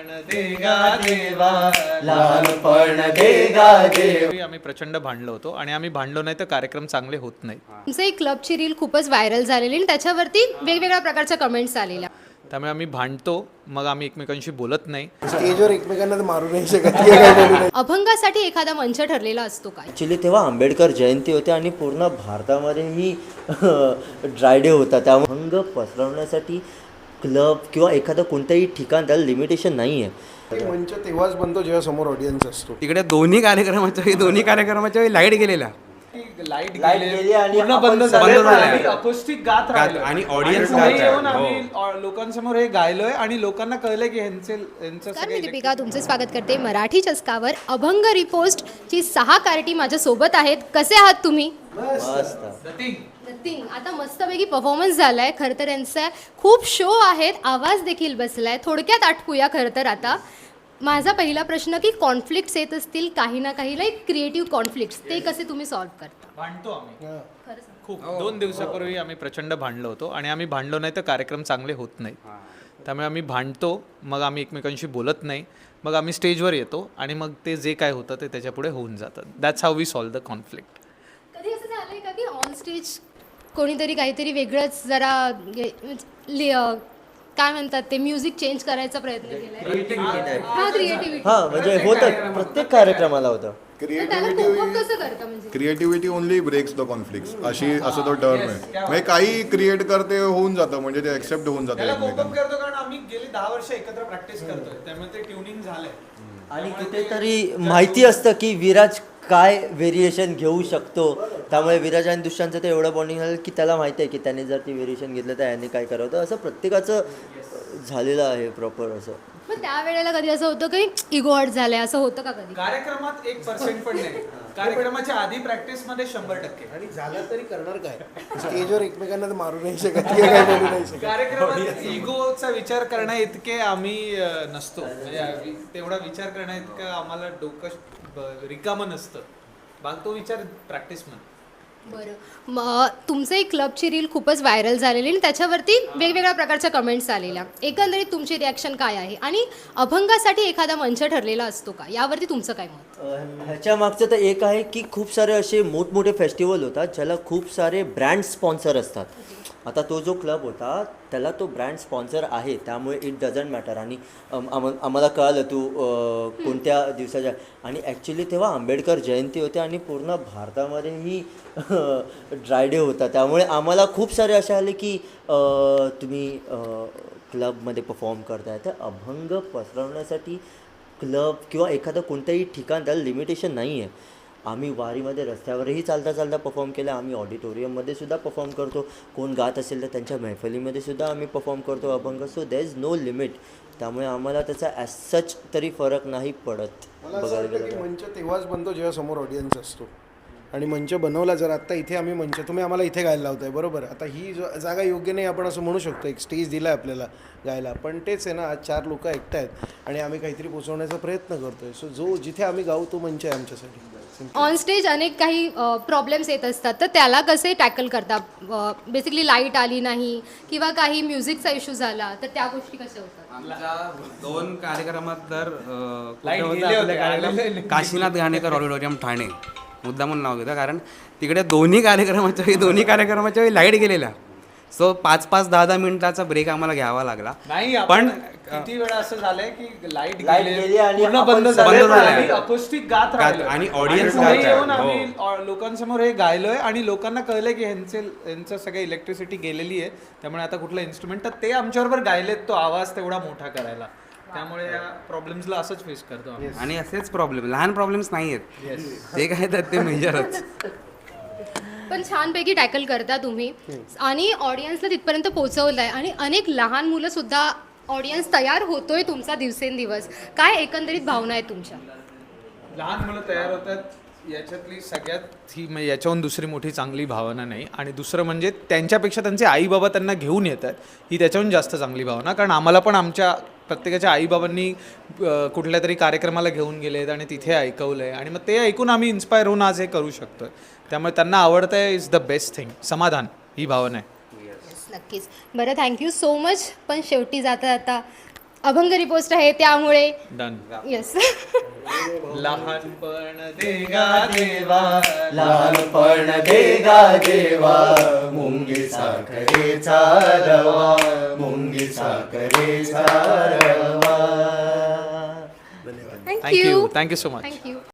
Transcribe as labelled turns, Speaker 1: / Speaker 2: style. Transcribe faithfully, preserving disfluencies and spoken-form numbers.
Speaker 1: देगा देवा लहानपण देगा देवा. आम्ही प्रचंड भांडलो होतो आणि आम्ही भांडलो नाही तर कार्यक्रम चांगले होत नाही.
Speaker 2: तुमचं एक क्लबची रील खूपच व्हायरल झालेली आणि त्याच्यावरती वेगवेगळ्या प्रकारच्या कमेंट्स आलेल्या.
Speaker 1: त्यामुळे आम्ही भांडतो, मग आम्ही एकमेकांशी बोलत नाही.
Speaker 3: स्टेजवर एकमेकांना तर मारू नाही शकत.
Speaker 2: अभंगासाठी एखादा मंच ठरलेला असतो काय?
Speaker 4: ॲक्च्युली तेव्हा आंबेडकर जयंती होती आणि पूर्ण भारतामध्येही ड्राय डे होता. त्यामुळे अभंग पसरवण्यासाठी क्लब किंवा एखादं कोणतंही ठिकाण त्याला लिमिटेशन नाही आहे.
Speaker 3: मंच तेव्हाच बनतो जेव्हा समोर ऑडियन्स असतो.
Speaker 5: तिकडे दोन्ही कार्यक्रमाच्या वेळी दोन्ही कार्यक्रमाच्या वेळी लाईट गेलेला
Speaker 1: लाईट
Speaker 4: लाईट गेली आणि
Speaker 1: पूर्ण
Speaker 4: आपण
Speaker 1: बंद
Speaker 4: सगळे
Speaker 1: झाले
Speaker 5: झाले.
Speaker 1: आणि अकोस्टिक गात राहिलो
Speaker 5: आणि audience
Speaker 1: पुढे
Speaker 5: गात
Speaker 1: येऊन
Speaker 5: आहे.
Speaker 1: आम्ही अ, लोकांसमोर हे गायलोय आणि लोकांना कळलंय की ह्यांचे ह्यांचं
Speaker 2: तर मी
Speaker 1: सगळे
Speaker 2: दीपिका तुमचे स्वागत करते मराठी चस्कावर. अभंग रिपोस्ट ची सहा कार्टी माझ्या सोबत आहेत. कसे आहात तुम्ही?
Speaker 4: मस्त.
Speaker 2: नथिंग. आता मस्तपैकी परफॉर्मन्स झालाय. खरं तर यांचा खूप शो आहेत, आवाज देखील बसलाय. थोडक्यात आटपूया खरं तर आता. माझा पहिला प्रश्न की कॉन्फ्लिक्ट्स येत असतील काही ना काही, लाईक क्रिएटिव्ह कॉन्फ्लिक्ट्स, ते कसे तुम्ही सॉल्व्ह करता?
Speaker 1: भांडतो आम्ही
Speaker 2: खरं सांग.
Speaker 1: खूप. दोन दिवसापूर्वी आम्ही प्रचंड भांडलो होतो आणि आम्ही भांडलो नाही तर कार्यक्रम चांगले होत नाही. त्यामुळे आम्ही भांडतो, मग आम्ही एकमेकांशी बोलत नाही. मग आम्ही स्टेजवर येतो आणि मग ते जे काय होतं ते त्याच्यापुढे होऊन जातं. That's how we solve the conflict.
Speaker 2: कधी असं झालंय का की ऑन स्टेज कोणीतरी काहीतरी वेगळंच जरा हे, लि- अं, काय म्हणतात ते म्युझिक चेंज करायचा प्रयत्न केलाय? हा, क्रिएटिव्हिटी.
Speaker 4: हां म्हणजे होतं, प्रत्येक कार्यक्रमाला होतं.
Speaker 2: त्याला कोप अप कसं करता म्हणजे?
Speaker 6: Creativity only breaks the conflicts अशी असं तो टर्म आहे. म्हणजे काही क्रिएट करते होऊन जातं, म्हणजे ते एक्सेप्ट होऊन जातं
Speaker 1: त्याला कोप
Speaker 6: एकमेकांना.
Speaker 1: करतो कारण आम्ही गेली दहा वर्ष एकत्र प्रॅक्टिस करतोय, त्यामुळे ते ट्युनिंग झालंय.
Speaker 4: आणि कुठेतरी माहिती असतं की विराज काय व्हेरिएशन घेऊ शकतो. त्यामुळे विराज आणि दुष्यांचं ते एवढं बॉन्डिंग झालं की त्याला माहिती आहे की त्याने जर ती व्हेरिएशन घेतलं तर याने काय करावं. तर असं प्रत्येकाचं झालेलं आहे प्रॉपर असं.
Speaker 2: मग त्यावेळेला कधी असं होतं की इगो हर्ट झालंय, असं होतं का कधी?
Speaker 1: कार्यक्रमात एक पर्सेंट पण नाही. कार्यक्रमाच्या आधी प्रॅक्टिस मध्ये शंभर टक्के.
Speaker 3: आणि झालं तरी करणार काय? स्टेजवर एकमेकांना तर मारू नाही शकत. काय बोलू नाही शकत.
Speaker 1: कार्यक्रमात इगोचा विचार करण्या इतके आम्ही अ, नसतो. म्हणजे आम्ही तेवढा विचार करण्या इतकं आम्हाला डोकं ब- रिकामं नसतं. बाकी तो विचार प्रॅक्टिस मध्ये.
Speaker 2: बरं. मग तुमचं एक क्लबची रील खूपच व्हायरल झालेली आणि त्याच्यावरती वेगवेगळ्या प्रकारच्या कमेंट्स आलेल्या. एकंदरीत तुमची रिॲक्शन काय आहे? आणि अभंगासाठी एखादा मंच ठरलेला असतो का, यावरती तुमचं काय मत?
Speaker 4: अं, ह्याच्या मागचं तर एक आहे की खूप सारे असे मोठमोठे फेस्टिवल होतात ज्याला खूप सारे ब्रँड स्पॉन्सर असतात. आता तो जो क्लब होता त्याला तो ब्रँड स्पॉन्सर आहे, त्यामुळे इट डझंट मॅटर. आणि अम- आम- आम्हाला कळालं तू अं, कोणत्या दिवसाच्या. आणि ॲक्च्युली तेव्हा आंबेडकर जयंती होती आणि पूर्ण भारतामध्येही ड्राय डे होता. त्यामुळे आम्हाला खूप सारे असे आले की अं, तुम्ही क्लबमध्ये परफॉर्म करताय, तर अभंग पसरवण्यासाठी क्लब किंवा एखादं कोणतंही ठिकाण त्याला लिमिटेशन नाही आहे. आम्ही वारीमध्ये रस्त्यावरही चालता चालता परफॉर्म केलं. आम्ही ऑडिटोरियममध्ये सुद्धा परफॉर्म करतो. कोण गात असेल तर त्यांच्या मैफलीमध्ये सुद्धा आम्ही परफॉर्म करतो अभंग. So there is no limit. त्यामुळे आम्हाला त्याचा ॲज सच तरी फरक नाही पडत.
Speaker 3: मला असं
Speaker 4: बघायला
Speaker 3: वाटतं
Speaker 4: गेलं
Speaker 3: की
Speaker 4: तर.
Speaker 3: मंच तेव्हाच बनतो जेव्हा समोर ऑडियन्स असतो. आणि मंच बनवला जर आत्ता इथे आम्ही मंच, तुम्ही आम्हाला इथे गायला लावताय बरोबर. आता ही जो- जागा योग्य नाही आपण असं म्हणू शकतो. एक स्टेज दिला आहे आपल्याला गायला, पण तेच आहे ना, आज चार लोक ऐकत आहेत आणि आम्ही काहीतरी पोचवण्याचा प्रयत्न करतोय. सो जो जिथे आम्ही गाऊ तो मंच आहे आमच्यासाठी.
Speaker 2: ऑन स्टेज अनेक काही प्रॉब्लेम्स येत असतात, तर त्याला कसे टॅकल करता? बेसिकली लाईट आली नाही किंवा काही म्युझिकचा इश्यू झाला तर त्या गोष्टी कशा होतात?
Speaker 5: आमच्या दोन कार्यक्रमात तर अं, कुठे
Speaker 1: Light
Speaker 5: होतं
Speaker 1: गेले
Speaker 5: आपलं
Speaker 1: होते,
Speaker 5: कार्यक्रम?
Speaker 1: आलेले नाही.
Speaker 5: काशीनाथ घाणेकर ऑडिटोरियम ठाणे मुद्दा म्हणून नाव घेतं, कारण तिकडे दोन्ही कार्यक्रमाच्या वेळी दोन्ही कार्यक्रमाच्या वेळी लाईट गेलेला. सो पाच पाच दहा दहा मिनिटाचा ब्रेक आम्हाला घ्यावा लागला.
Speaker 1: नाही
Speaker 5: पण
Speaker 1: पण किती वेळा असं झालंय की लाईट
Speaker 4: Light गेली आणि
Speaker 1: पूर्ण
Speaker 4: आपण
Speaker 1: बंद
Speaker 4: सगळे
Speaker 1: झाले
Speaker 5: झाले.
Speaker 1: आणि अकोस्टिक गात राहिलो.
Speaker 5: आणि audience
Speaker 1: पुढे
Speaker 5: गात
Speaker 1: येऊन
Speaker 5: आहे.
Speaker 1: आम्ही अ, लोकांसमोर हे गायलोय आणि लोकांना कळलंय की ह्यांचे ह्यांचं सगळं इलेक्ट्रिसिटी गेलेली आहे. त्यामुळे आता कुठलं इन्स्ट्रुमेंट तर ते आमच्याबरोबर गायलेत तो आवाज तेवढा मोठा करायला. त्यामुळे या प्रॉब्लेम्सला असंच फेस करतो आम्ही.
Speaker 5: आणि असेच प्रॉब्लेम, लहान प्रॉब्लेम्स नाही आहेत ते काय तर ते मेजरच.
Speaker 2: पण छानपैकी टॅकल करता तुम्ही आणि ऑडियन्सला तिथपर्यंत पोहोचवलंय. आणि अनेक लहान मुलं सुद्धा ऑडियन्स तयार होतोय तुमचा दिवसेंदिवस. काय एकंदरीत भावना आहेत तुमच्या?
Speaker 1: लहान मुलं तयार होतात याच्यातली सगळ्यात ही म्हणजे याच्याहून दुसरी मोठी चांगली भावना नाही. आणि दुसरं म्हणजे त्यांच्यापेक्षा त्यांचे आई बाबा त्यांना घेऊन येतात ही त्याच्याहून जास्त चांगली भावना. कारण आम्हाला पण आमच्या प्रत्येकाच्या आईबाबांनी कुठल्या तरी कार्यक्रमाला घेऊन गेलेत आणि तिथे ऐकवलं आहे आणि मग ते ऐकून आम्ही इन्स्पायर होऊन आज हे करू शकतो. त्यामुळे त्यांना आवडतं आहे इज द बेस्ट थिंग. समाधान ही भावना आहे.
Speaker 2: नक्कीच. बरं, थँक्यू सो मच. पण शेवटी जाता जाता अभंग रिपोस्ट आहे त्यामुळे
Speaker 1: डन.
Speaker 2: येस.
Speaker 1: लहानपण देगा देवा
Speaker 4: लहानपण देगा देवा मुंगी साखरेचा रवा मुंगी साखरेचा रवा.
Speaker 2: Thank you
Speaker 1: thank you thank you so much.
Speaker 2: Thank you.